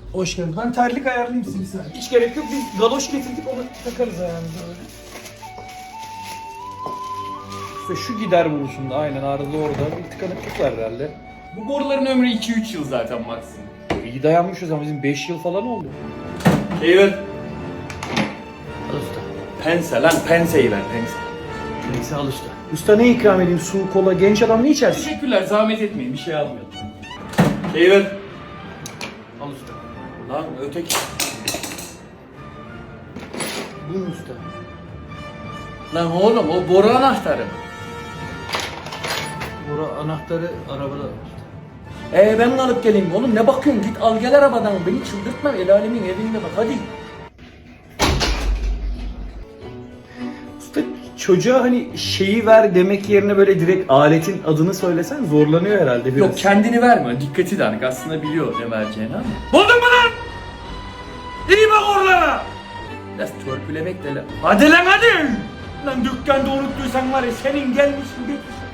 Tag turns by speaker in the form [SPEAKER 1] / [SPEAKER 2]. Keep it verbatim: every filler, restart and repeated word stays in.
[SPEAKER 1] Hoş geldin. Ben terlik ayarlayayım size bir saniye. Hiç gerek yok. Biz galoş getirdik, onu takarız ayağımıza böyle.
[SPEAKER 2] İşte şu gider buluşunda aynen arada orada bir tıkanıklık var herhalde.
[SPEAKER 3] Bu boruların ömrü iki üç yıl zaten maksimum.
[SPEAKER 2] İyi dayanmışız ama bizim beş yıl falan oldu.
[SPEAKER 3] Eyvallah.
[SPEAKER 2] Al usta.
[SPEAKER 3] Pense lan, penseyi ver, pense.
[SPEAKER 2] Neyse al usta. Usta ne ikram edeyim? Su, kola, genç adam ne içersin?
[SPEAKER 3] Teşekkürler, zahmet etmeyin, bir şey almayalım. Eyvallah.
[SPEAKER 2] Al usta.
[SPEAKER 3] Lan öteki.
[SPEAKER 2] Bu mu usta?
[SPEAKER 3] Lan oğlum o boru anahtarı.
[SPEAKER 2] Bura anahtarı arabada.
[SPEAKER 3] Ee ben alıp geleyim oğlum, ne bakıyorsun, git al gel arabadan, beni çıldırtma, el alemin evinde bak hadi.
[SPEAKER 2] Usta çocuğa hani şeyi ver demek yerine böyle direkt aletin adını söylesen zorlanıyor herhalde biraz.
[SPEAKER 3] Yok kendini verme, dikkati dağınık, aslında biliyor ne vereceğini ama. Buldun mu lan? İyi bak oralara. Biraz törpülemek de lan. Hadi lan hadi. Lan dükkanda unuttuysan var ya senin gelmişsin bir